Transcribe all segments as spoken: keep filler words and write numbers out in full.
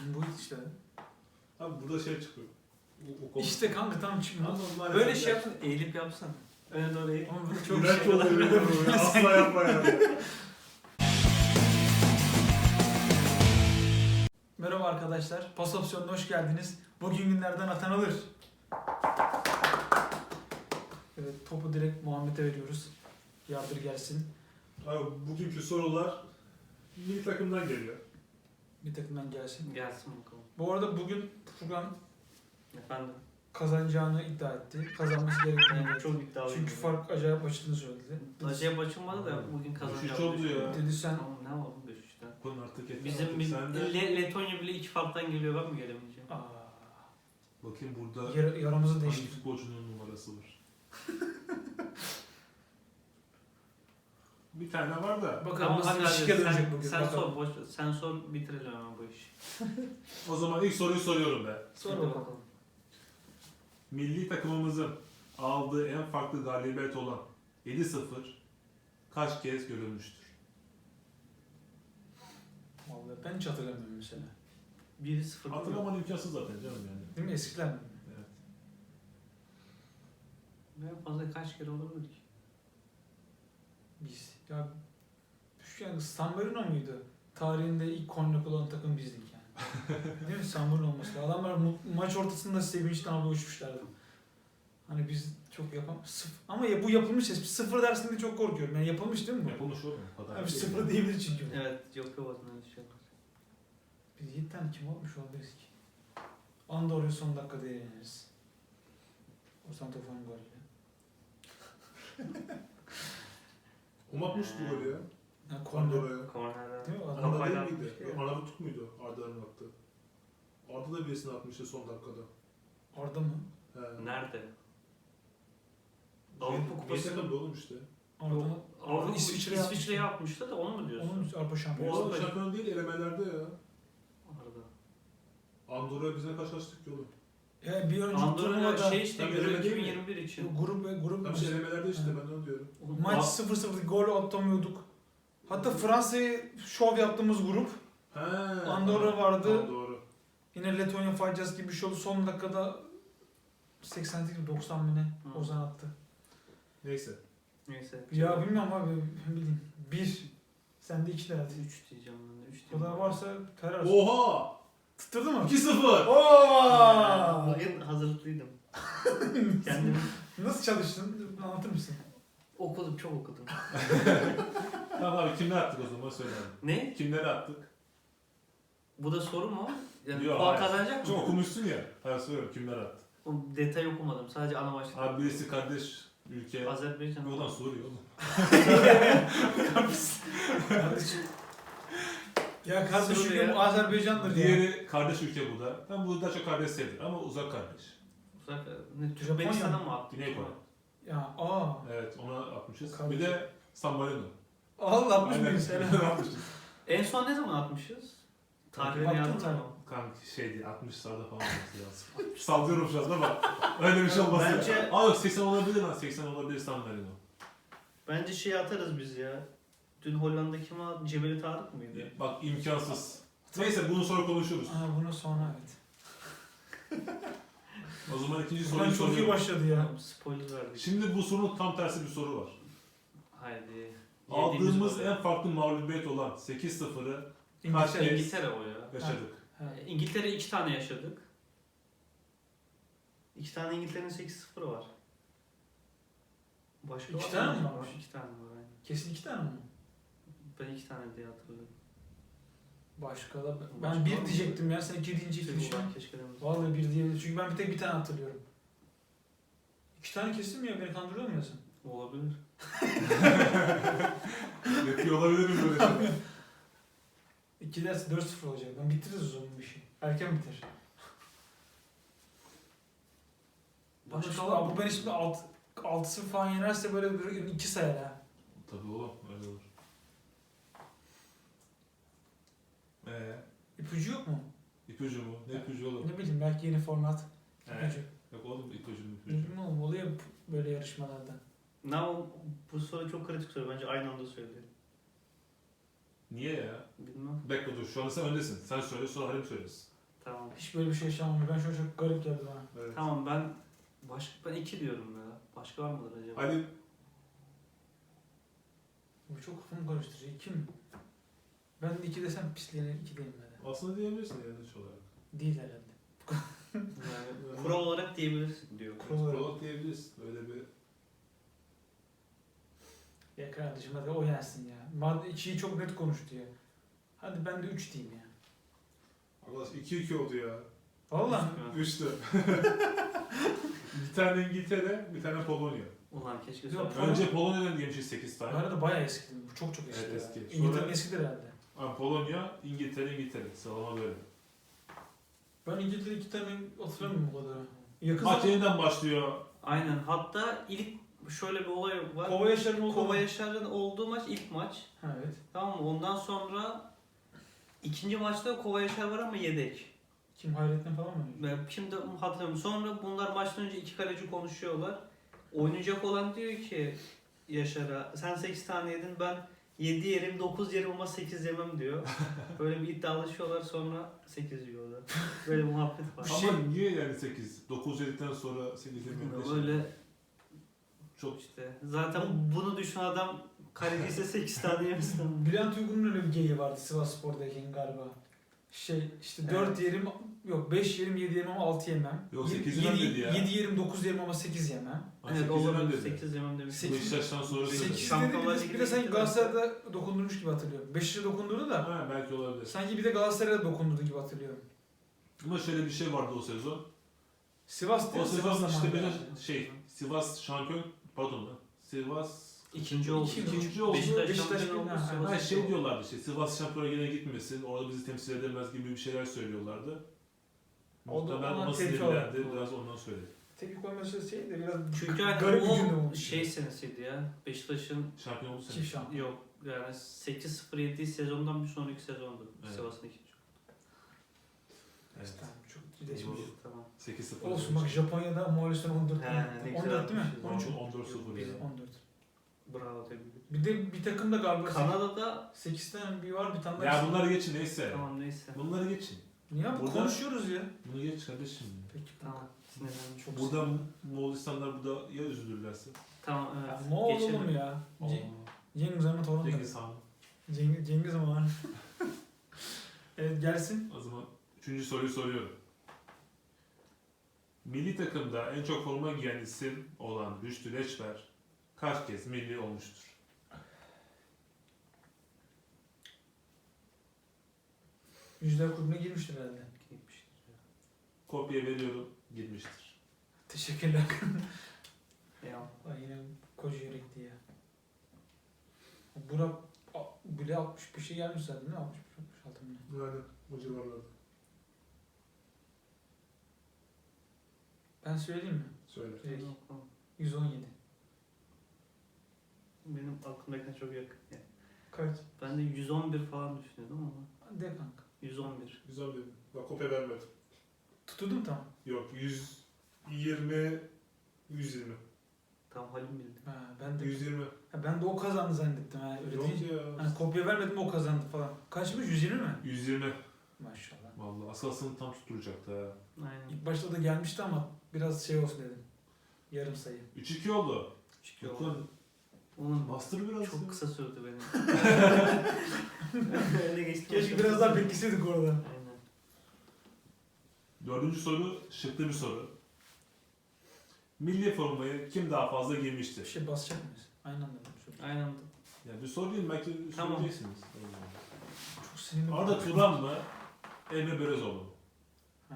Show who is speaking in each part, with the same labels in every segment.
Speaker 1: Bu işte.
Speaker 2: Abi burada şey çıkıyor. O, o konu-
Speaker 1: İşte kanka tam çıkmıyor.
Speaker 2: Ama maalesef
Speaker 3: Böyle şey yapsın, eğilip yapsana. Öne doğru eğil.
Speaker 1: Ama bu çok
Speaker 2: İğrenç
Speaker 1: şey.
Speaker 2: oluyor, öyle oluyor. Asla yapma yani.
Speaker 1: Merhaba arkadaşlar. Pas opsiyonuna hoş geldiniz. Bugün günlerden atan alır. Evet, topu direkt Muhammed'e veriyoruz. Yardır gelsin.
Speaker 2: Abi bugünkü sorular milli takımdan geliyor.
Speaker 1: Bir takımdan gelsin.
Speaker 3: Gelsin bakalım.
Speaker 1: Bu arada bugün Furkan
Speaker 3: Efendim.
Speaker 1: kazanacağını iddia etti. Kazanması gerektiğini
Speaker 3: Yani
Speaker 1: iddia etti.
Speaker 3: çok iddialıyım.
Speaker 1: Çünkü fark acayip açtığını söyledi.
Speaker 3: Acayip açılmadı da bugün
Speaker 2: Beş üç
Speaker 3: kazanacağım.
Speaker 2: oldu ya.
Speaker 1: Dedi sen
Speaker 3: Tamam ne var beş üçten.
Speaker 2: Konu artık yeter.
Speaker 3: Bizim
Speaker 2: artık.
Speaker 3: biz,
Speaker 2: Sen de
Speaker 3: Le- Letonya bile iki farktan geliyor, ben mi gelemeyeceğim?
Speaker 1: aa,
Speaker 2: bakayım burada
Speaker 1: yar- yaramızı
Speaker 2: hangi
Speaker 1: değiştirdi.
Speaker 2: futbolcunun numarası var. Bir tane var da.
Speaker 1: Bakalım
Speaker 3: Tamam
Speaker 1: nasıl
Speaker 3: hadi
Speaker 1: bir
Speaker 3: hadi
Speaker 1: şike dönecek
Speaker 3: sen,
Speaker 1: bugün.
Speaker 3: sen
Speaker 1: Bakalım.
Speaker 3: sor boş ver. Sen sor bitirelim hemen bu işi.
Speaker 2: O zaman ilk soruyu soruyorum ben.
Speaker 1: Sor
Speaker 3: Hadi
Speaker 1: bakalım.
Speaker 2: Milli takımımızın aldığı en farklı galibiyet olan yedi sıfır kaç kez görülmüştür?
Speaker 1: Vallahi ben hiç hatırlamıyorum mesela.
Speaker 3: bir sıfır.
Speaker 2: Hatırlaman imkansız zaten canım yani.
Speaker 1: Değil mi? Eskiler mi?
Speaker 2: Evet.
Speaker 3: En fazla kaç kere olabilir ki?
Speaker 1: Biz. Ya şu yani San Marino muydu? Tarihinde ilk kornek olan takım bizdik yani. Değil mi? San Marino olması lazım. Adamlar mu- maç ortasında sevinçten havaya uçmuşlardı. Hani biz çok yapam sıfır. Ama ya bu yapılmış ya. Sıfır dersinde çok korkuyorum. Yani yapılmış değil mi bu?
Speaker 2: Yapılmış oğlum. o kadar
Speaker 1: Abi
Speaker 2: değil.
Speaker 1: sıfır diyebilir çünkü.
Speaker 3: Evet yok yok aslında öyle şey yok.
Speaker 1: Biz yedi tane kim olmuş olabiliriz ki? Andorra'yı son dakikada yeneriz. O Santofor'un golüyle.
Speaker 2: Kim atmıştı bu golü ya?
Speaker 1: Yani korner.
Speaker 2: Andorra'ya.
Speaker 3: Kornerden.
Speaker 1: Değil mi? Adam
Speaker 2: Arda
Speaker 3: Kafayla
Speaker 2: değil miydi?
Speaker 3: atmış.
Speaker 2: Arnavutluk muydu? Arda'nın attı. Arda da birisini atmıştı son dakikada.
Speaker 1: Arda mı?
Speaker 2: He.
Speaker 3: Nerede? Avrupa Kupası.
Speaker 2: Kupası oğlum işte.
Speaker 1: Arda,
Speaker 3: Avrupa
Speaker 1: Arda
Speaker 3: İsviçre'ye
Speaker 1: İsviçre'ye
Speaker 3: İsviçre'ye yapmıştı da onu mu diyorsun?
Speaker 1: Onun Avrupa
Speaker 2: Bu
Speaker 1: şampiyonu.
Speaker 2: arada şampiyon değil, elemelerde ya.
Speaker 3: Arada.
Speaker 2: Andorra'ya biz ne kaçlaştık ki oğlum?
Speaker 1: Ya bir önceki
Speaker 3: Andorra
Speaker 1: turnuvada
Speaker 3: şey işte
Speaker 2: Tabii
Speaker 3: Euro
Speaker 2: öyle değil
Speaker 3: iki
Speaker 2: mi?
Speaker 3: bin yirmi bir için.
Speaker 1: grup ve grup
Speaker 2: Tam şey elemelerde işte
Speaker 1: Evet.
Speaker 2: ben de onu diyorum.
Speaker 1: maç sıfır sıfır gol atamıyorduk. Hatta Fransa'yı şov yaptığımız grup.
Speaker 2: He.
Speaker 1: Andorra vardı.
Speaker 2: Tamam, doğru.
Speaker 1: Yine Letonya faciası gibi bir şey oldu. Son dakikada seksen sekiz doksan mı ne?
Speaker 3: Hı.
Speaker 1: Ozan attı.
Speaker 2: Neyse.
Speaker 3: Neyse.
Speaker 1: Ya bilmiyorum abi. Ben bileyim. Bir. Sen de iki de hadi.
Speaker 3: üç diyeceğim ben de. üç
Speaker 1: O kadar varsa terör.
Speaker 2: Oha!
Speaker 1: Tutturdu mu?
Speaker 2: iki sıfır.
Speaker 1: Oo!
Speaker 3: Bugün hazırlıklıydım. Kendim
Speaker 1: Nasıl çalıştın? Anlatır mısın?
Speaker 3: okudum, çok okudum.
Speaker 2: Tamam abi kimleri attık o zaman söyle abi.
Speaker 3: Ne?
Speaker 2: Kimleri attık?
Speaker 3: Bu da soru mu? Yani
Speaker 2: Yok,
Speaker 3: puan
Speaker 2: hayır.
Speaker 3: kazanacak
Speaker 2: Çok
Speaker 3: mı?
Speaker 2: okumuşsun ya. Hayır söylüyorum kimler attı.
Speaker 3: O detay okumadım. Sadece ana başlık.
Speaker 2: Abi birisi kardeş ülke.
Speaker 3: Azerbaycan.
Speaker 2: Yoldan Suriye oğlum.
Speaker 1: Kardeşim. Ya kardeş
Speaker 3: Suriye.
Speaker 1: ülkem Azerbaycan'dır ya.
Speaker 2: Diğeri kardeş ülke bu da. Ben bu daha çok kardeş sevdim ama uzak kardeş.
Speaker 3: Uzak, ne,
Speaker 1: Japonya
Speaker 3: Türkmenistan'a
Speaker 1: mı?
Speaker 3: mı attı?
Speaker 2: Güney Kore.
Speaker 1: Ya aa.
Speaker 2: Evet ona atmışız.
Speaker 1: Kardeş.
Speaker 2: Bir de San Marino.
Speaker 1: Allah atmış
Speaker 2: Aynen.
Speaker 1: mıyız sen?
Speaker 2: atmışız.
Speaker 3: En son ne zaman atmışız? Tarihini
Speaker 1: Baktın
Speaker 3: yazdın
Speaker 1: tabii.
Speaker 3: mı?
Speaker 2: Kanka şeydi altmışlarda falan olması lazım. Sallıyorum şu anda ama öyle bir şey olmaz.
Speaker 3: Bence-
Speaker 2: ya. Aa yok seksen olabilir lan. seksen olabilir San Marino.
Speaker 3: Bence şey atarız biz ya. Dün Hollanda kim aldı? Cebeli Tarık mıydı?
Speaker 2: Bak imkansız. Neyse bunu sonra konuşuruz.
Speaker 1: Aa, bunu sonra evet.
Speaker 2: O zaman ikinci
Speaker 1: Furkan
Speaker 2: soruyu
Speaker 1: çok iyi
Speaker 2: soruyorum.
Speaker 1: başladı ya.
Speaker 3: Tamam, spoiler verdik.
Speaker 2: Şimdi bu sorunun tam tersi bir soru var.
Speaker 3: Haydi.
Speaker 2: Aldığımız
Speaker 3: Yediğimiz
Speaker 2: en farklı mağlubiyet olan sekiz sıfırı
Speaker 1: İngiltere.
Speaker 2: Kaç-
Speaker 3: İngiltere o ya.
Speaker 2: yaşadık.
Speaker 1: Ha.
Speaker 3: İngiltere iki tane yaşadık. İki tane İngiltere'nin sekiz sıfırı var. Başka
Speaker 1: İki
Speaker 3: var
Speaker 1: tane
Speaker 3: mı?
Speaker 1: mi varmış?
Speaker 3: İki tane var aynen.
Speaker 1: Kesin iki tane mi?
Speaker 3: Ben iki tane diye hatırlıyorum.
Speaker 1: Başka da ben
Speaker 3: Başka var
Speaker 1: bir
Speaker 3: mı?
Speaker 1: diyecektim ya sen iki deyince iki
Speaker 3: Tüh,
Speaker 1: düşün.
Speaker 3: ulan keşke demedim.
Speaker 1: Vallahi bir diyebilirim çünkü ben bir tek bir tane hatırlıyorum. İki tane kesin mi ya beni kandırıyor mu ya sen?
Speaker 3: Olabilir.
Speaker 2: Yapıyor olabilirim böyle şeyler.
Speaker 1: İki derse dört sıfır olacak. Ben bitiririz o zaman bu işi. Erken biter.
Speaker 3: Başka
Speaker 1: Başka
Speaker 3: var mı?
Speaker 1: bu beni şimdi altı sıfır falan yenerse böyle bir iki sayar ha.
Speaker 2: Tabii oğlum öyle olur. Ee,
Speaker 1: İpucu yok mu?
Speaker 2: ipucu mu? Ne ipucu oğlum?
Speaker 1: Ne bileyim belki yeni format.
Speaker 2: He.
Speaker 1: İpucu.
Speaker 2: Yok oğlum ipucu mu ipucu.
Speaker 1: Bilmiyorum oğlum oluyor böyle yarışmalarda.
Speaker 3: Ne o- bu soru çok kritik soru. Bence aynı anda söyleyelim.
Speaker 2: Niye ya?
Speaker 3: Bilmem.
Speaker 2: Bekle dur şu anda sen öndesin. Sen söyle sonra Halim söylesin.
Speaker 3: Tamam.
Speaker 1: Hiç böyle bir şey yaşamadım. Ben şu an çok garip geldi bana.
Speaker 2: Evet.
Speaker 3: Tamam ben başka ben iki diyorum ya. Başka var mıdır acaba?
Speaker 2: Ali
Speaker 1: Bu çok kafamı karıştırıyor. İki mi? Ben de iki desem pisliğine iki diyeyim ben de.
Speaker 2: aslında diyebilirsin yanlış olarak.
Speaker 1: Değil herhalde.
Speaker 3: Yani kural olarak diyebilirsin diyor.
Speaker 1: Kural olarak.
Speaker 2: Prolog diyebilirsin. Öyle bir
Speaker 1: Ya kardeşim hadi o yensin ya. Madde ikiyi çok net konuştu ya. Hadi ben de üç diyeyim ya.
Speaker 2: arkadaş iki iki oldu ya.
Speaker 1: Vallahi.
Speaker 3: Ha.
Speaker 2: Üçtü. Bir tane İngiltere, bir tane Polonya.
Speaker 3: Ulan keşke
Speaker 1: Yok,
Speaker 3: söyle.
Speaker 2: Önce Polonya'dan gelmişiz sekiz
Speaker 1: Bu
Speaker 2: tane.
Speaker 1: arada bayağı eski. Bu çok çok eski.
Speaker 2: Evet,
Speaker 1: ya.
Speaker 2: eski.
Speaker 1: İngiltere'nin
Speaker 2: Sonra-
Speaker 1: eskidir herhalde.
Speaker 2: Ha, Polonya, İngiltere, İngiltere. Sıralama böyle.
Speaker 1: Ben İngiltere iki tane hatırlamıyorum bu kadar. Yakın
Speaker 2: Maç
Speaker 1: zaman
Speaker 2: yeniden başlıyor.
Speaker 3: Aynen. Hatta ilk şöyle bir olay var.
Speaker 1: Kova Yaşar'ın olduğu
Speaker 3: Kova
Speaker 1: mu?
Speaker 3: Yaşar'ın olduğu maç ilk maç.
Speaker 1: Ha, evet.
Speaker 3: Tamam mı? Ondan sonra ikinci maçta Kova Yaşar var ama yedek.
Speaker 1: Kim Hayrettin falan mı?
Speaker 3: Ben şimdi hatırlamıyorum. Sonra bunlar maçtan önce iki kaleci konuşuyorlar. Oynayacak olan diyor ki Yaşar'a sen sekiz tane yedin ben yedi yerim dokuz yerim ama sekiz yemem diyor. Böyle bir iddialaşıyorlar sonra sekiz yiyorlar. Böyle bir muhabbet var.
Speaker 1: Bir
Speaker 2: Ama
Speaker 1: şey-
Speaker 2: niye yani sekiz? dokuz yedikten sonra sekiz yemeğinde
Speaker 3: Böyle
Speaker 2: çok
Speaker 3: işte zaten bunu düşünen adam kaleci ise sekiz tane yemesin.
Speaker 1: Bülent Uygun'un öyle bir geyiği vardı Sivas Spor'dayken galiba. Şey işte dört
Speaker 3: Evet.
Speaker 1: yerim yok beş yerim yedi yerim ama altı yemem.
Speaker 2: Yok, sekiz yemem dedi ya.
Speaker 1: yedi yerim dokuz yerim ama sekiz yemem.
Speaker 3: Evet olabilir sekiz yemem demiş.
Speaker 1: Sekiz-
Speaker 2: Beşiktaş'tan sonra
Speaker 1: sekiz
Speaker 2: söyledi.
Speaker 1: dedi
Speaker 3: Şampiyonlar
Speaker 1: bir de, bir de
Speaker 3: Ligi'ne
Speaker 1: sanki
Speaker 3: gittiler.
Speaker 1: Galatasaray'da dokundurmuş gibi hatırlıyorum. Beşiktaş'a dokundurdu da
Speaker 2: Ha, belki olabilir.
Speaker 1: sanki bir de Galatasaray'da dokundurdu gibi hatırlıyorum.
Speaker 2: Ama şöyle bir şey vardı o sezon.
Speaker 1: Sivas değil
Speaker 2: O
Speaker 1: mi?
Speaker 2: sezon
Speaker 1: Sivas
Speaker 2: işte
Speaker 1: zamanı
Speaker 2: böyle
Speaker 1: yani.
Speaker 2: şey, Sivas şampiyon, pardon lan. Sivas
Speaker 3: İkinci oldu.
Speaker 1: İki-
Speaker 2: ikinci oldu.
Speaker 3: Beşiktaş,
Speaker 1: Beşiktaş
Speaker 3: şampiyon oldu.
Speaker 1: ha, ha.
Speaker 3: Sivas
Speaker 2: Ha, şey
Speaker 3: oldu.
Speaker 2: diyorlardı işte Sivas şampiyona yine gitmesin, orada bizi temsil edemez gibi bir şeyler söylüyorlardı.
Speaker 1: O da
Speaker 2: Muhtemelen
Speaker 1: ona
Speaker 2: ona
Speaker 1: tepki
Speaker 2: sinirlendi,
Speaker 3: olarak.
Speaker 2: biraz ondan söyledi.
Speaker 1: Tepki koyması şey de biraz
Speaker 3: Çünkü hani
Speaker 1: garip bir cümle
Speaker 3: o
Speaker 1: olmuş.
Speaker 3: şey senesiydi ya. Beşiktaş'ın
Speaker 2: Şampiyon oldu
Speaker 1: Çift
Speaker 2: sene.
Speaker 1: şampiyon.
Speaker 3: yok yani sekiz sıfır yedi sezondan bir sonraki sezondu.
Speaker 2: Evet.
Speaker 3: Sivas'ın ikinci.
Speaker 2: Evet.
Speaker 1: Tamam, çok ciddileşmiş.
Speaker 2: Doğru.
Speaker 3: Tamam.
Speaker 2: sekiz sıfır.
Speaker 1: Olsun bak Japonya'da Moğolistan on dört.
Speaker 3: He, ne güzel
Speaker 1: on dört değil mi?
Speaker 3: atmışız.
Speaker 1: on üç.
Speaker 2: on dört sıfır.
Speaker 3: Biz-
Speaker 1: on dört.
Speaker 3: Bravo tebrik ederim.
Speaker 1: Bir de bir takım da galiba
Speaker 3: Kanada'da
Speaker 1: sekiz tane bir var bir tane daha.
Speaker 2: Ya bunları geçin neyse.
Speaker 3: tamam neyse.
Speaker 2: Bunları geçin.
Speaker 1: Niye abi?
Speaker 2: Burada-
Speaker 1: Konuşuyoruz ya.
Speaker 2: Bunu geç kardeşim.
Speaker 1: Peki
Speaker 3: Tamam. Sinirlendim.
Speaker 1: Çok
Speaker 2: Burada Moğolistanlar burada ya üzülürlerse.
Speaker 3: Tamam evet.
Speaker 1: Ya, ne oldu
Speaker 3: Geçelim.
Speaker 1: oğlum ya?
Speaker 2: Aa,
Speaker 1: Ce- Cengiz Han'ın torunu.
Speaker 2: Cengiz Han.
Speaker 1: Cengiz, Cengiz Han. Evet gelsin.
Speaker 2: O zaman üçüncü soruyu soruyorum. Milli takımda en çok forma giyen isim olan Rüştü Leçber kaç kez milli olmuştur?
Speaker 1: Yüzler Kulübü'ne girmiştir herhalde.
Speaker 3: Gitmiştir ya.
Speaker 2: Kopya veriyorum, girmiştir.
Speaker 1: Teşekkürler.
Speaker 3: Ya.
Speaker 1: Ay yine koca yürekli ya. Burak a- bile altmış bir şey gelmiş zaten değil mi? altmış beş altmış altı mı?
Speaker 2: Yani o civarlarda.
Speaker 1: Ben söyleyeyim mi?
Speaker 2: Söyle.
Speaker 1: Direkt.
Speaker 3: Tamam.
Speaker 1: yüz on yedi.
Speaker 3: Benim aklımdakine çok yakın. Yani.
Speaker 1: Kaç?
Speaker 3: Ben de yüz on bir falan düşünüyordum ama
Speaker 1: De kanka.
Speaker 3: yüz on bir.
Speaker 2: Güzel bir. Bak kopya vermedim.
Speaker 1: Tuturdum tamam.
Speaker 2: Yok yüz yirmi, yüz yirmi.
Speaker 3: Tam Halim bildi.
Speaker 1: Ha, ben de
Speaker 2: yüz yirmi.
Speaker 1: ha, ben de o kazandı zannettim ha. Öyle
Speaker 2: Yok
Speaker 1: değil.
Speaker 2: ya.
Speaker 1: Hani kopya vermedim o kazandı falan. Kaçmış? yüz yirmi mi?
Speaker 2: yüz yirmi.
Speaker 1: Maşallah.
Speaker 2: Vallahi asılsın tam tutturacaktı ha.
Speaker 3: Aynen.
Speaker 1: İlk başta da gelmişti ama biraz şey olsun dedim. Yarım sayı.
Speaker 2: üç iki oldu.
Speaker 3: Çıkıyor.
Speaker 2: Bakın
Speaker 3: Onun
Speaker 2: bastır biraz.
Speaker 3: çok
Speaker 2: ya.
Speaker 3: kısa sürdü benim. Öyle geçti.
Speaker 1: Keşke biraz daha bekleseydik orada.
Speaker 3: Aynen.
Speaker 2: Dördüncü soru şıklı bir soru. Milli formayı kim daha fazla
Speaker 1: Bir
Speaker 2: giymiştir?
Speaker 1: şey basacak mıyız? Aynı anda mı? Çok,
Speaker 3: Aynen.
Speaker 2: Ya bir soru değil belki
Speaker 3: Tamam.
Speaker 2: söyleyeceksiniz.
Speaker 1: çok sinirli.
Speaker 2: Arda Turan mı? Emre Belözoğlu mu?
Speaker 1: Ha.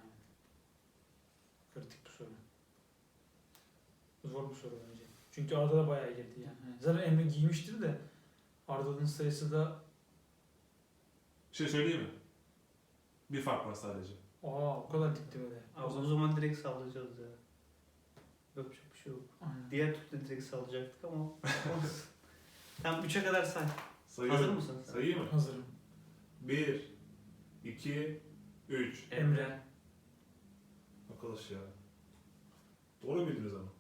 Speaker 1: Kritik bir soru. Zor bir soru bence. Çünkü Arda da bayağı girdi yani. Yani zaten Emre giymiştir de Arda'nın sayısı da
Speaker 2: Bir şey söyleyeyim mi? Bir fark var sadece.
Speaker 1: aa o kadar dikti böyle.
Speaker 3: Abi o zaman direkt sallayacağız ya. Yapacak bir şey yok.
Speaker 1: Aynen.
Speaker 3: Diğer türlü direkt sallayacaktık ama olsun. Tamam üçe kadar say.
Speaker 2: Sayıyorum.
Speaker 3: Hazır mısın sen?
Speaker 2: Sayayım mı?
Speaker 1: Hazırım.
Speaker 2: bir, iki, üç.
Speaker 1: Emre.
Speaker 2: Arkadaş ya. Doğru bildiniz ama.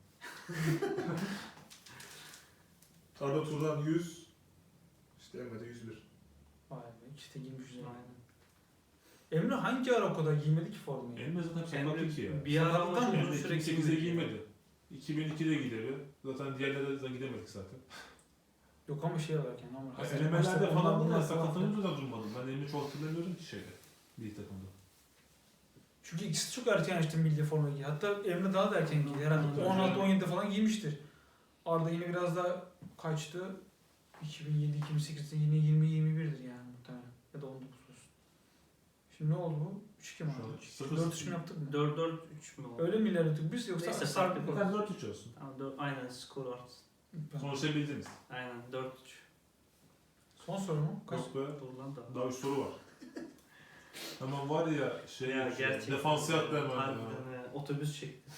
Speaker 2: Arda Turan yüz. İşte Emre de yüz bir.
Speaker 1: Vay be ikisi de girmiş üzerine.
Speaker 3: Aynen.
Speaker 1: Emre hangi ara o kadar giymedi ki formayı?
Speaker 2: Emre zaten
Speaker 3: Emre
Speaker 2: sakat ki ya.
Speaker 3: bir ara ama
Speaker 1: Sakatlıktan mı?
Speaker 3: uzun
Speaker 2: Emre
Speaker 3: süre
Speaker 2: iki bin sekizde
Speaker 3: giymedi.
Speaker 2: giymedi. iki bin ikide gideri. Zaten diğerlere de gidemedik zaten.
Speaker 1: Yok ama şey olarak yani. Ama hazır
Speaker 2: Elemelerde
Speaker 1: maçta
Speaker 2: falan
Speaker 1: bunlar
Speaker 2: bunlar
Speaker 1: bunlar
Speaker 2: sakatlanınca da durmadım. Ben Emre'yi çok hatırlamıyorum ki şeyde. Bir takımda.
Speaker 1: Çünkü ikisi çok erken açtı milli formayı giyiyor. Hatta Emre daha da erken giydi. Herhalde
Speaker 2: Tabii
Speaker 1: on altı
Speaker 2: canım.
Speaker 1: on yedide falan giymiştir. Arda yine biraz daha kaçtı? iki bin yedi iki bin sekizde yine yirmi yirmi birdir yani muhtemelen. Ya da on dokuz olsun. Şimdi ne oldu bu? üç iki mi
Speaker 2: Şu an
Speaker 1: aldı?
Speaker 2: sıfır
Speaker 1: dört üç
Speaker 2: sıfır.
Speaker 1: mi yaptık mı?
Speaker 3: dört dört üç mü oldu?
Speaker 1: Öyle mi ilerledik biz yoksa
Speaker 3: Neyse,
Speaker 1: sarktık
Speaker 3: farklı
Speaker 1: mı?
Speaker 2: Zaten dört üç olsun.
Speaker 3: Tamam, dört, aynen skor artsın.
Speaker 2: Konuşabildiniz.
Speaker 3: Aynen dört üç.
Speaker 1: Son soru mu? Kaç?
Speaker 2: Yok be.
Speaker 3: Dur lan da.
Speaker 2: Daha üç soru var. Hemen var ya şey
Speaker 3: Ya
Speaker 2: ya,
Speaker 3: gerçekten.
Speaker 2: defansı yaptı hemen. ya.
Speaker 3: Harbiden ya. Otobüs çekti.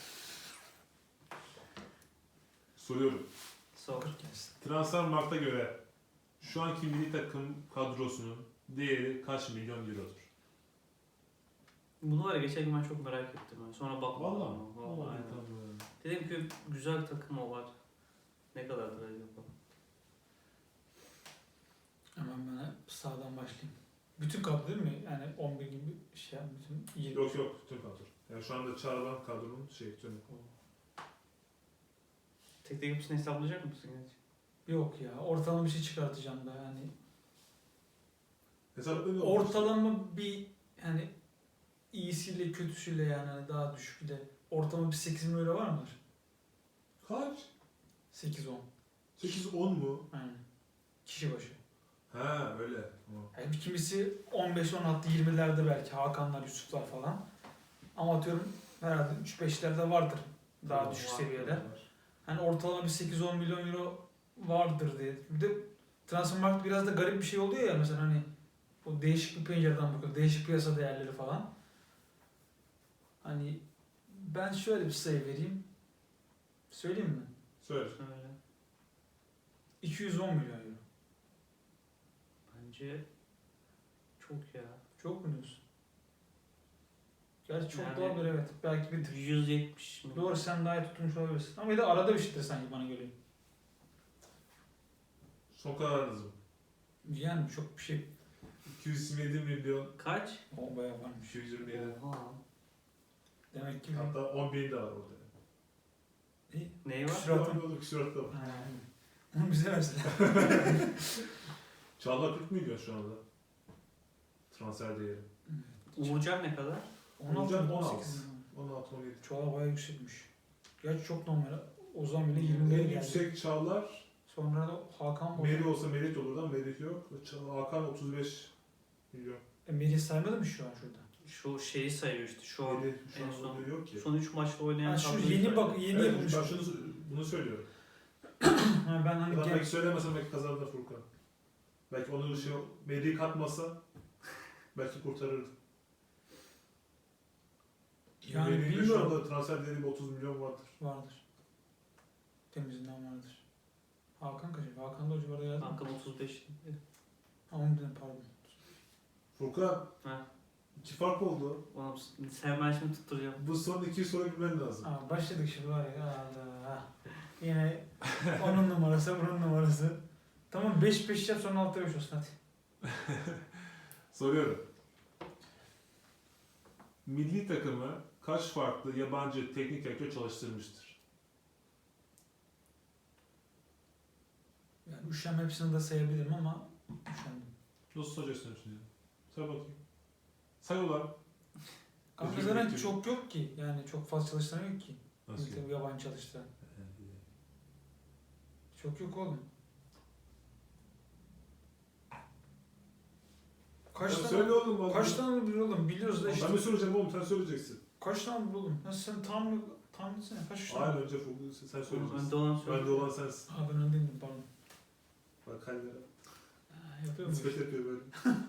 Speaker 2: Soruyorum.
Speaker 3: Sor.
Speaker 1: kırk gelsin.
Speaker 2: Transfermarkt'a göre şu anki milli takım kadrosunun değeri kaç milyon eurodur?
Speaker 3: Bunu var ya geçen gün ben çok merak ettim. Yani. Sonra baktım.
Speaker 2: Vallahi mi?
Speaker 3: Vallahi aynen.
Speaker 2: tamam.
Speaker 3: Dedim ki güzel takım o var. Ne kadardır acaba?
Speaker 1: Hemen ben hep sağdan başlayayım. Bütün kadro değil mi? Yani on bir gibi şey yap, bütün yirmi.
Speaker 2: Yok yok tüm kadro. Yani şu anda çağrılan kadronun şey tüm.
Speaker 3: Tek tek hepsini hesaplayacak mısın?
Speaker 1: Yok ya. Ortalama bir şey çıkartacağım da yani.
Speaker 2: Hesaplanıyor.
Speaker 1: Ortalama bir hani iyisiyle kötüsüyle yani hani daha düşükle ortalama bir sekiz milyon euro var mıdır?
Speaker 2: Kaç?
Speaker 1: sekiz on.
Speaker 2: sekiz on mu?
Speaker 1: Aynen. Kişi başı.
Speaker 2: Ha öyle. Tamam.
Speaker 1: Yani bir kimisi on beş on altı yirmilerde belki Hakanlar, Yusuflar falan. Ama atıyorum herhalde üç beşlerde vardır daha
Speaker 2: Tamam,
Speaker 1: düşük
Speaker 2: var,
Speaker 1: seviyeler.
Speaker 2: var.
Speaker 1: Hani ortalama bir sekiz on milyon euro vardır diye. Bir de Transfermarkt biraz da garip bir şey oluyor ya mesela hani o değişik bir pencereden bakıyor. Değişik piyasa değerleri falan. Hani ben şöyle bir sayı vereyim. Söyleyeyim mi?
Speaker 2: Söyle.
Speaker 3: Öyle.
Speaker 1: iki yüz on milyon euro.
Speaker 3: Bence çok ya.
Speaker 1: Çok mu diyorsun? Gerçi çok
Speaker 3: Yani-
Speaker 1: da olabilir evet. Belki bir tık.
Speaker 3: yüz yetmiş mi?
Speaker 1: Doğru sen daha iyi tutmuş olabilirsin. Ama bir de arada bir şeydir sanki bana göre.
Speaker 2: Son kararınız mı?
Speaker 1: Yani çok bir şey.
Speaker 2: iki yüz yirmi yedi milyon
Speaker 3: Kaç?
Speaker 1: O bayağı varmış.
Speaker 2: iki yüz yirmi yedi.
Speaker 3: Oha.
Speaker 1: Demek ki
Speaker 2: Hatta on bin de var orada.
Speaker 3: Neyi var?
Speaker 1: Küsuratı.
Speaker 2: Küsuratı küsuratı da var.
Speaker 1: Ha, onu bize versinler.
Speaker 2: Çağlar kırk milyon şu anda. Transfer değeri.
Speaker 3: Uğurcan ne kadar?
Speaker 1: on altı
Speaker 2: Olacak
Speaker 1: on
Speaker 2: on
Speaker 1: sekiz
Speaker 2: altı.
Speaker 1: milyon.
Speaker 2: on altı on yedi.
Speaker 1: Çağla bayağı yüksekmiş. Gerçi çok normal. O zaman bile yirmi
Speaker 2: En
Speaker 1: geldi.
Speaker 2: yüksek Çağlar
Speaker 1: Sonra da Hakan Bozan.
Speaker 2: Meri olsa Merit olurdu ama Merit yok. Çağ- Hakan otuz beş milyon.
Speaker 1: E, Melih saymadı mı şu an şurada?
Speaker 3: Şu şeyi sayıyor işte şu an.
Speaker 2: Meri şu
Speaker 3: en
Speaker 2: an
Speaker 3: son-
Speaker 2: orada yok ki.
Speaker 3: Son üç maçta oynayan
Speaker 1: Ha, şu
Speaker 3: kadroyu
Speaker 1: yeni
Speaker 3: sayıyor.
Speaker 1: bak yeni
Speaker 2: Evet,
Speaker 1: yapılmış.
Speaker 2: ben şunu, bunu söylüyorum.
Speaker 1: Ha, ben hani
Speaker 2: Ulan
Speaker 1: genç
Speaker 2: belki söylemesem belki kazandı Furkan. Belki onu şey, Meri'yi katmasa belki kurtarırdı.
Speaker 1: yani
Speaker 2: Meri'nin şu
Speaker 1: bilmiyorum.
Speaker 2: anda transfer değeri otuz milyon vardır.
Speaker 1: Vardır. Temizinden vardır. Hakan kaç? Hakan da o civarda yazdı.
Speaker 3: Hakan otuz beş.
Speaker 1: Ha onu dedim pardon.
Speaker 2: Furkan,
Speaker 3: Ha.
Speaker 2: iki fark oldu.
Speaker 3: Oğlum sen ben şimdi tutturacağım.
Speaker 2: Bu son iki soru bilmen lazım.
Speaker 1: Aa, başladık şimdi var ya Allah. Yine onun numarası bunun numarası. Tamam beş beş yap sonra altı beş olsun hadi.
Speaker 2: Soruyorum. Milli takımı kaç farklı yabancı teknik direktör çalıştırmıştır?
Speaker 1: Yani üşem hepsini de sayabilirim ama üşendim.
Speaker 2: Nasıl soracaksın şimdi? Say bakayım. Say ulan.
Speaker 1: Kanka
Speaker 2: Özür
Speaker 1: zaten
Speaker 2: dilerim.
Speaker 1: çok yok ki. Yani çok fazla çalıştıran yok ki.
Speaker 2: Nasıl?
Speaker 1: Milli takım yabancı çalıştıran. Çok yok oğlum. Kaç
Speaker 2: Ya
Speaker 1: tane,
Speaker 2: söyle oğlum. bak.
Speaker 1: kaç tane biliyor oğlum? Biliyoruz da işte.
Speaker 2: Ben mi soracağım oğlum? Sen söyleyeceksin.
Speaker 1: Kaç tane biliyor oğlum? Nasıl sen tahmin, tahmin etsene. Kaç üç tane?
Speaker 2: Hayır önce Furkan sen
Speaker 3: Önde
Speaker 2: söyleyeceksin.
Speaker 3: olan söyle.
Speaker 2: Bende olan sensin.
Speaker 1: Aa ben öndeydim pardon.
Speaker 2: Bak hallere.
Speaker 1: Ha, yapıyor mu?
Speaker 2: Nispet yapıyor böyle.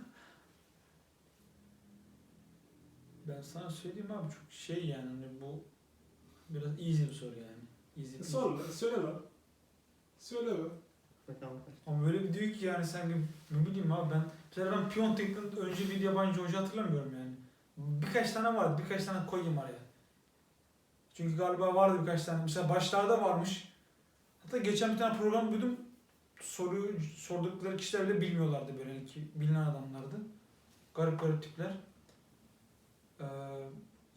Speaker 1: Ben sana söyleyeyim abi çok şey yani hani bu biraz easy bir soru yani. Easy bir
Speaker 2: Sor lan. Söyle lan. Söyle be.
Speaker 3: Bakalım kaç.
Speaker 1: Ama böyle bir diyor ki yani sanki ne bileyim abi ben mesela ben Piontek'ten önce bir yabancı hoca hatırlamıyorum yani. Birkaç tane vardı birkaç tane koyayım araya. Çünkü galiba vardı birkaç tane. Mesela başlarda varmış. Hatta geçen bir tane program duydum. Soruyu sordukları kişiler bile bilmiyorlardı böyle hani ki bilinen adamlardı. Garip garip tipler.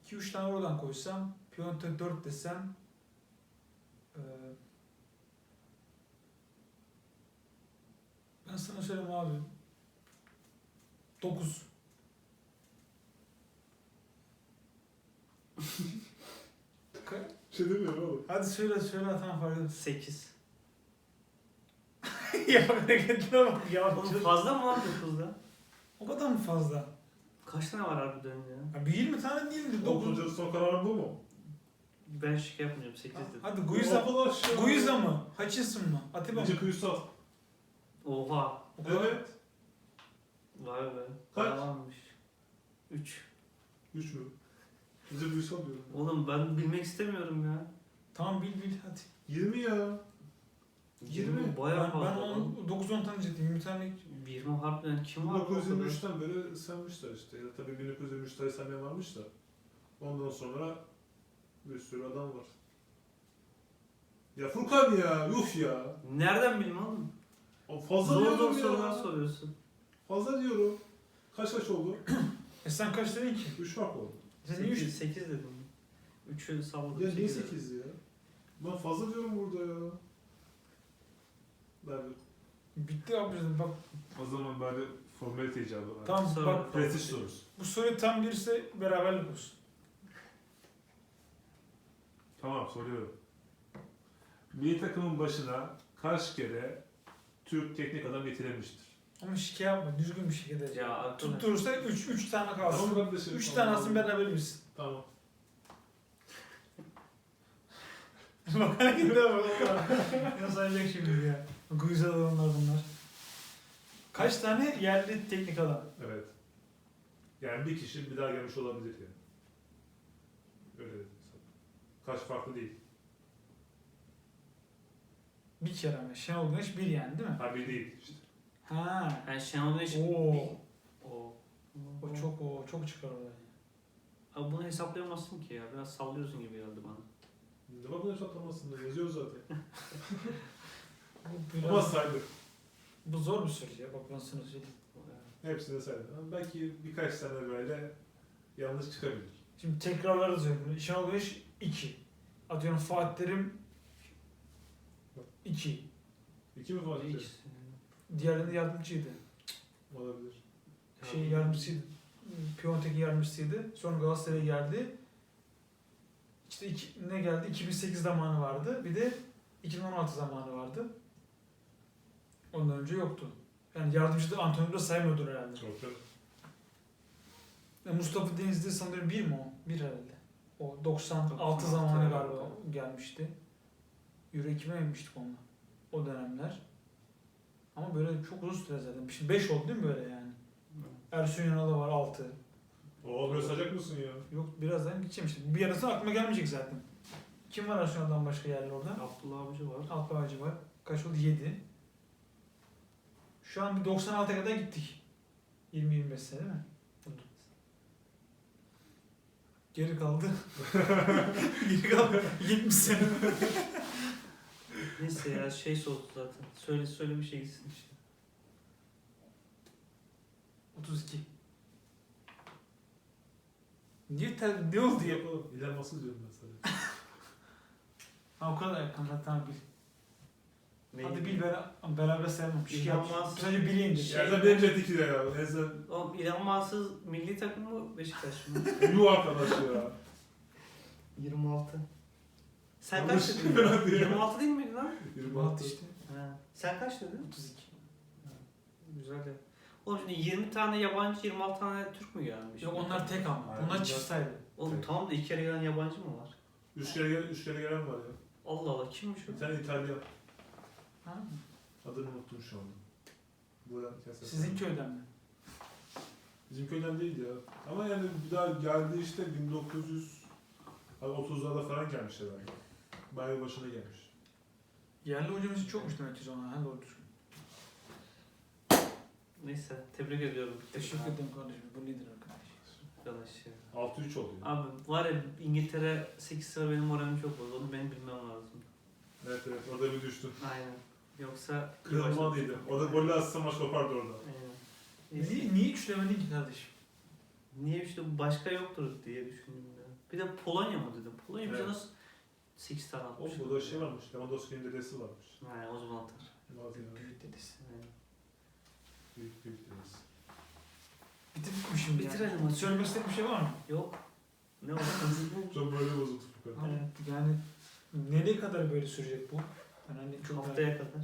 Speaker 1: iki üç tane oradan koysam, piyon T dört desem, eee ben sana söyleyeyim abi. dokuz. Ka-
Speaker 2: Bir şey demiyorum oğlum.
Speaker 1: Hadi söyle söyle tamam fark etmez.
Speaker 3: sekiz.
Speaker 1: Ya hareketine bak ya.
Speaker 3: Oğlum fazla mı lan dokuzda?
Speaker 1: O kadar mı fazla?
Speaker 3: Kaç tane var harbiden ya?
Speaker 1: Ya bir yirmi tane değildir. dokuz.
Speaker 2: dokuzuncu son kararın bu mu?
Speaker 3: Ben şike yapmayacağım, sekiz dedim.
Speaker 1: Hadi Guiza,
Speaker 2: Arkadaş ya.
Speaker 1: Guiza mı? Hutchinson mı? Atiba mı?
Speaker 2: Necip Uysal.
Speaker 3: Oha.
Speaker 1: O kadar.
Speaker 2: Evet.
Speaker 3: Vay be.
Speaker 2: Kaç?
Speaker 3: Bayağı üç.
Speaker 2: üç mü? Necip Uysal diyorum.
Speaker 3: Oğlum ben bilmek istemiyorum ya.
Speaker 1: Tamam bil bil hadi.
Speaker 2: yirmi ya.
Speaker 3: yirmi bayağı
Speaker 1: ben,
Speaker 3: fazla.
Speaker 1: ben
Speaker 3: lan.
Speaker 1: dokuz on tane diyecektim. yirmi tane.
Speaker 3: yirmi harbiden kim
Speaker 2: bin
Speaker 3: var?
Speaker 2: dokuz yüz
Speaker 3: bu kadar?
Speaker 2: yirmi üçten beri sevmişler işte. Ya tabii bin dokuz yüz yirmi üçte sevmeyen varmış da. Ondan sonra bir sürü adam var. Ya Furkan ya, yuh ya.
Speaker 3: Nereden bileyim oğlum?
Speaker 2: O fazla
Speaker 3: Zor zor
Speaker 2: diyorum
Speaker 3: sorular
Speaker 2: ya.
Speaker 3: soruyorsun.
Speaker 2: Fazla diyorum. Kaç kaç oldu?
Speaker 1: E sen kaç dedin ki?
Speaker 2: üç fark oldu.
Speaker 1: Sen niye üç?
Speaker 3: sekiz, sekiz dedim. üçü salladım.
Speaker 2: Ya niye
Speaker 3: sekiz dedim.
Speaker 2: sekiz ya? Ben fazla diyorum burada ya. Nerede?
Speaker 1: Bitti abi dedim bak.
Speaker 2: O zaman bari formalite icabı var.
Speaker 1: Tamam
Speaker 3: Sonra-
Speaker 1: bak.
Speaker 2: Prestij sorusu.
Speaker 1: Bu soru tam birse beraberlik olsun.
Speaker 2: Tamam soruyorum. Milli takımın başına kaç kere Türk teknik adam getirilmiştir?
Speaker 1: Ama şike yapma. Düzgün bir şike de.
Speaker 3: Ya arkadaş.
Speaker 1: Tutturursa üç üç tane kalsın.
Speaker 2: Tamam kardeşim.
Speaker 1: üç
Speaker 2: tamam.
Speaker 1: tane alsın beraber misin?
Speaker 2: Tamam.
Speaker 1: Bak hareketlere bak. Ne sayacak şimdi ya. Guiza adamlar bunlar. Kaç tane yerli teknik adam?
Speaker 2: Evet. Yani bir kişi bir daha gelmiş olabilir yani. Öyle dedim sana. Kaç farklı değil.
Speaker 1: Bir kere mi? Şenol Güneş bir yani değil mi?
Speaker 2: Ha bir değil işte.
Speaker 1: Ha.
Speaker 3: Yani Şenol Güneş...
Speaker 1: Oo.
Speaker 3: O.
Speaker 1: O çok o çok çıkar oradan.
Speaker 3: Abi bunu hesaplayamazsın ki ya. Biraz sallıyorsun gibi geldi bana.
Speaker 2: Ne bak bunu hesaplamasın da yazıyor zaten.
Speaker 1: Bu, biraz-
Speaker 2: Ama saydı.
Speaker 1: bu zor bir soru ya. Bak ben sana söyleyeyim.
Speaker 2: Hepsini saydı. Ama belki birkaç tane böyle yanlış çıkabilir.
Speaker 1: Şimdi tekrarları söylüyorum. Şenol Güneş iki. Atıyorum Fatih Terim iki.
Speaker 2: İki mi Fatih Terim?
Speaker 3: İkisi.
Speaker 1: Diğerinde yardımcıydı.
Speaker 2: Olabilir.
Speaker 1: Şey yardımcısıydı. Piyontek'in yardımcısıydı. Sonra Galatasaray'a geldi. İşte iki, ne geldi? iki bin sekiz zamanı vardı. Bir de iki bin on altı zamanı vardı. Ondan önce yoktu. Yani yardımcı da Antonio da saymıyordur herhalde.
Speaker 2: Yok yok.
Speaker 1: Ya Mustafa Denizli sanırım bir mi o? Bir herhalde. O doksan altı
Speaker 3: doksan altı
Speaker 1: zamanı
Speaker 3: evet.
Speaker 1: galiba gelmişti. Euro ikime yemiştik onunla. O dönemler. Ama böyle çok uzun süre zaten. Şimdi beş oldu değil mi böyle yani? Ersun Yanal'da var altı.
Speaker 2: Oo böyle sayacak mısın ya?
Speaker 1: Yok birazdan gideceğim işte. Bir yarısı aklıma gelmeyecek zaten. Kim var Ersun Yanal'dan başka yerli orada?
Speaker 3: Abdullah Avcı var.
Speaker 1: Alp Ağacı var. Kaç oldu? yedi. Şu an bir doksan altıya kadar gittik. yirmi yirmi beş sene değil mi? Geri kaldı. Geri kaldı. yetmiş sene.
Speaker 3: Neyse ya şey soğudu zaten. Söyle söyle bir şey gitsin işte.
Speaker 1: otuz iki. Niye ter, ne oldu ya?
Speaker 2: Yok oğlum. İlhan Masıl diyorum ben sana.
Speaker 1: Ha o kadar yakın zaten bil.
Speaker 3: Neyi?
Speaker 1: Hadi bil beraber, beraber sayalım. Şey
Speaker 3: İlhan
Speaker 1: yap.
Speaker 3: Mansız-
Speaker 1: Sadece bileyim de.
Speaker 3: Şey-
Speaker 2: Yerden benim chat ikide ya. Neyse.
Speaker 3: Oğlum İlhan Mansız milli takım mı Beşiktaş mı?
Speaker 2: Yuh arkadaş ya.
Speaker 3: yirmi altı. Sen
Speaker 2: Yanlış
Speaker 3: kaç dedin?
Speaker 2: herhalde ya.
Speaker 3: yirmi altı değil miydi lan?
Speaker 2: yirmi
Speaker 1: Alt
Speaker 2: altı.
Speaker 1: işte.
Speaker 3: Ha. Sen kaç dedin?
Speaker 1: otuz iki.
Speaker 3: Güzel ya. Oğlum şimdi yirmi tane yabancı, yirmi altı tane Türk mü gelmiş?
Speaker 1: Yok onlar tek ama.
Speaker 2: Aynen.
Speaker 1: Onlar çift saydı.
Speaker 3: Oğlum
Speaker 2: Tek.
Speaker 3: tamam da iki kere gelen yabancı mı var?
Speaker 2: Üç kere, gel, üç kere gelen var ya.
Speaker 3: Allah Allah kimmiş o?
Speaker 2: Bir tane İtalyan.
Speaker 1: Ha?
Speaker 2: Adını unuttum şu anda. Buradan kesin.
Speaker 1: Sizin köyden mi?
Speaker 2: Bizim köyden değil ya. Ama yani bir daha geldi işte bin dokuz yüz otuzlarda falan gelmiş herhalde. Bayağı başına gelmiş.
Speaker 1: Yerli hocamız çokmuş demek ki sonra. Ha doğru düzgün.
Speaker 3: Neyse tebrik ediyorum.
Speaker 1: Teşekkür ederim kardeşim. Bu nedir arkadaş?
Speaker 3: Arkadaş ya.
Speaker 2: altı üç oldu ya.
Speaker 3: Abi var ya İngiltere sekiz sıra benim moralim çok bozdu. Onu benim bilmem lazım.
Speaker 2: Evet evet orada bir düştün.
Speaker 3: Aynen. Yoksa...
Speaker 2: Kırılmalıydı. Orada golle atsa maç kopardı orada.
Speaker 3: Aynen. Neyse.
Speaker 1: Niye, niye üçlemedin ki kardeşim?
Speaker 3: Niye işte başka yoktur diye düşündüm ya. Bir de Polonya mı dedim. Polonya bize
Speaker 2: Evet.
Speaker 3: nasıl sekiz tane atmış.
Speaker 2: O burada şey varmış. Lewandowski'nin dedesi varmış.
Speaker 3: He, o zaman atar.
Speaker 2: Bazı yani.
Speaker 1: Büyük dedesi.
Speaker 3: Aynen.
Speaker 2: Büyük büyük dedesi.
Speaker 1: Bitirdik mi şimdi?
Speaker 3: Bitirelim
Speaker 1: yani?
Speaker 3: hadi.
Speaker 1: Söylemek istediğin bir şey var mı?
Speaker 3: Yok. Ne oldu?
Speaker 2: Çok böyle bozuldu Furkan.
Speaker 1: Evet. Yani nereye kadar böyle sürecek bu? Yani hani çok
Speaker 3: Haftaya kadar.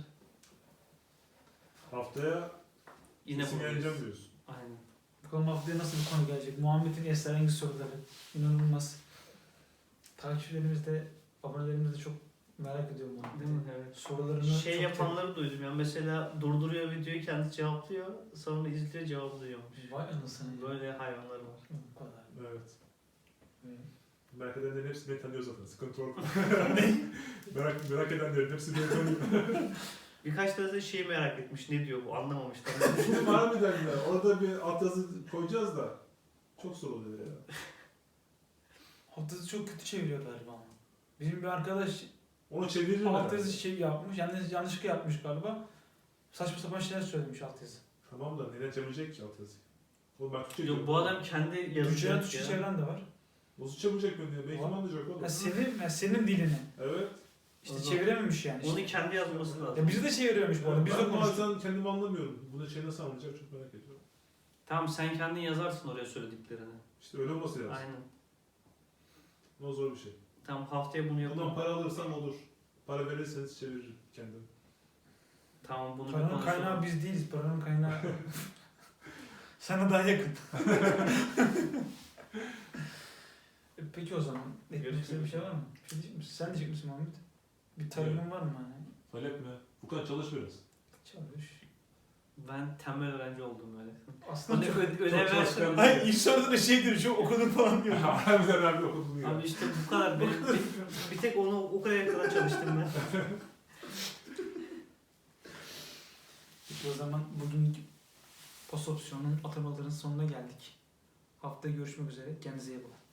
Speaker 2: Haftaya
Speaker 3: Yine
Speaker 2: kesin
Speaker 3: buradayız.
Speaker 2: yeneceğim diyorsun.
Speaker 3: Aynen.
Speaker 1: Bakalım haftaya nasıl bir konu gelecek? Muhammed'in esrarengiz soruları. İnanılmaz. Takipçilerimiz de, abonelerimiz de çok merak ediyor Muhammed'i.
Speaker 3: Değil mi? Evet.
Speaker 1: Sorularını
Speaker 3: Şey
Speaker 1: çok
Speaker 3: yapanları duydum ya. Mesela durduruyor videoyu, kendisi cevaplıyor. Sonra izliyor, cevaplıyormuş.
Speaker 1: tek- Vay anasını.
Speaker 3: Böyle hayvanlar var.
Speaker 1: Bu kadar.
Speaker 2: Evet.
Speaker 1: Evet.
Speaker 2: Merak edenlerin hepsi beni tanıyor zaten. Sıkıntı yok. merak, merak edenlerin hepsi beni tanıyor.
Speaker 3: Birkaç tane de şeyi merak etmiş. Ne diyor bu? Anlamamışlar.
Speaker 2: Şimdi harbiden ya. Orada bir altyazı koyacağız da. Çok zor oluyor ya.
Speaker 1: Altyazı çok kötü çeviriyor galiba ama. Bizim bir arkadaş
Speaker 2: Onu çeviririm herhalde.
Speaker 1: altyazı şey yapmış, yanlış yanlışlıkla yapmış galiba. Saçma sapan şeyler söylemiş altyazı.
Speaker 2: Tamam da neden çevirecek ki altyazı? Oğlum ben Türkçe
Speaker 3: Yok
Speaker 2: diyorum.
Speaker 3: bu adam kendi
Speaker 1: Türkçe'den
Speaker 3: yazacak
Speaker 1: Türkçe
Speaker 3: ya.
Speaker 1: çeviren de var.
Speaker 2: Nasıl çevirecek beni ya? Belki
Speaker 1: Var.
Speaker 2: anlayacak oğlum.
Speaker 1: Ya senin, ya senin dilini.
Speaker 2: Evet.
Speaker 1: İşte
Speaker 3: O zaman-
Speaker 1: çevirememiş yani.
Speaker 3: Onu
Speaker 1: Işte.
Speaker 3: kendi yazması lazım.
Speaker 1: Ya bizi de çeviriyormuş bu arada. Biz de
Speaker 2: ben
Speaker 1: konuştuk.
Speaker 2: bazen kendimi anlamıyorum. Bunu şey nasıl anlayacak çok merak ediyorum.
Speaker 3: Tamam sen kendin yazarsın oraya söylediklerini.
Speaker 2: İşte öyle olması lazım.
Speaker 3: Aynen.
Speaker 2: O zor bir şey.
Speaker 3: Tamam haftaya bunu
Speaker 2: Bundan
Speaker 3: yapalım.
Speaker 2: para alırsam olur. Para verirseniz çeviririm kendim.
Speaker 3: Tamam bunu bir
Speaker 1: Paranın
Speaker 3: konuşalım.
Speaker 1: kaynağı biz değiliz. Paranın kaynağı sana daha yakın. E, Peki o zaman. Eklemek istediğin bir şey var mı? Bir şey diyecek misin? Sen diyecek misin Muhammed? Bir talebin var mı hani?
Speaker 2: Talep mi? Bu kadar çalış biraz.
Speaker 1: Çalış.
Speaker 3: Ben tembel öğrenci oldum böyle.
Speaker 1: Aslında
Speaker 3: Bana
Speaker 1: çok...
Speaker 3: ö- ödev
Speaker 2: çok
Speaker 3: versin.
Speaker 2: çalışkan-
Speaker 1: Hayır ilk soruda da şey diyor. Çok okudun falan diyor.
Speaker 2: Harbiden abi okudun ya.
Speaker 3: Abi işte bu kadar. Benim, bir, bir tek onu o kadar kadar çalıştım ben.
Speaker 1: Peki o zaman bugünkü post opsiyonun atamaların sonuna geldik. Haftaya görüşmek üzere. Kendinize iyi bakın.